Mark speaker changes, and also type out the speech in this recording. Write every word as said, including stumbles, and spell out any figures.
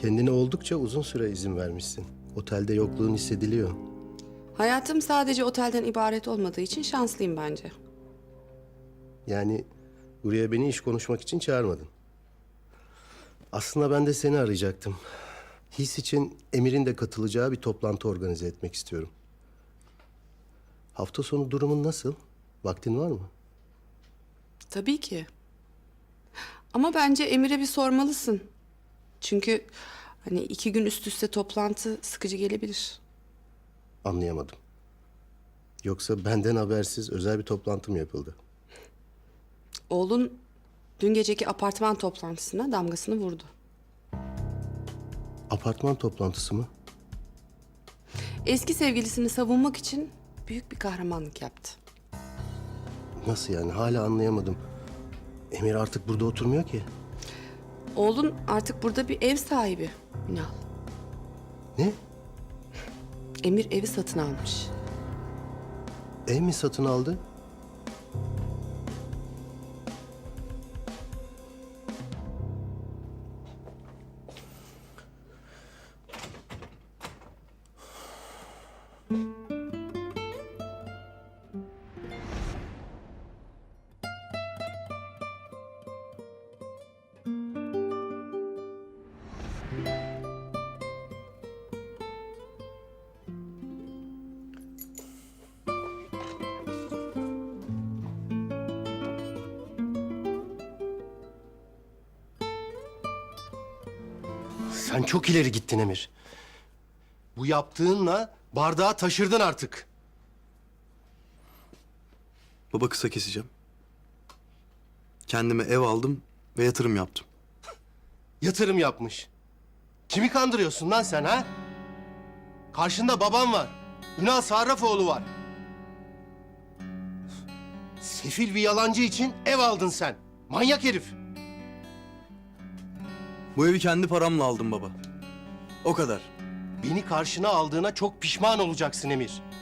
Speaker 1: Kendine oldukça uzun süre izin vermişsin. Otelde yokluğun hissediliyor.
Speaker 2: Hayatım sadece otelden ibaret olmadığı için şanslıyım bence.
Speaker 1: Yani buraya beni iş konuşmak için çağırmadın. Aslında ben de seni arayacaktım. His için Emir'in de katılacağı bir toplantı organize etmek istiyorum. Hafta sonu durumun nasıl? Vaktin var mı?
Speaker 2: Tabii ki. Ama bence Emir'e bir sormalısın. Çünkü hani iki gün üst üste toplantı sıkıcı gelebilir.
Speaker 1: Anlayamadım. Yoksa benden habersiz özel bir toplantı mı yapıldı?
Speaker 2: Oğlun dün geceki apartman toplantısına damgasını vurdu.
Speaker 1: Apartman toplantısı mı?
Speaker 2: Eski sevgilisini savunmak için büyük bir kahramanlık yaptı.
Speaker 1: Nasıl yani? Hala anlayamadım. Emir artık burada oturmuyor ki.
Speaker 2: Oğlun artık burada bir ev sahibi Ünal.
Speaker 1: Ne?
Speaker 2: Emir evi satın almış.
Speaker 1: Ev mi satın aldı? Sen çok ileri gittin Emir. Bu yaptığınla bardağı taşırdın artık.
Speaker 3: Baba kısa keseceğim. Kendime ev aldım ve yatırım yaptım.
Speaker 1: Yatırım yapmış. Kimi kandırıyorsun lan sen ha? Karşında babam var. Ünal Sarrafoğlu var. Sefil bir yalancı için ev aldın sen. Manyak herif.
Speaker 3: Bu evi kendi paramla aldım baba. O kadar.
Speaker 1: Beni karşına aldığına çok pişman olacaksın Emir.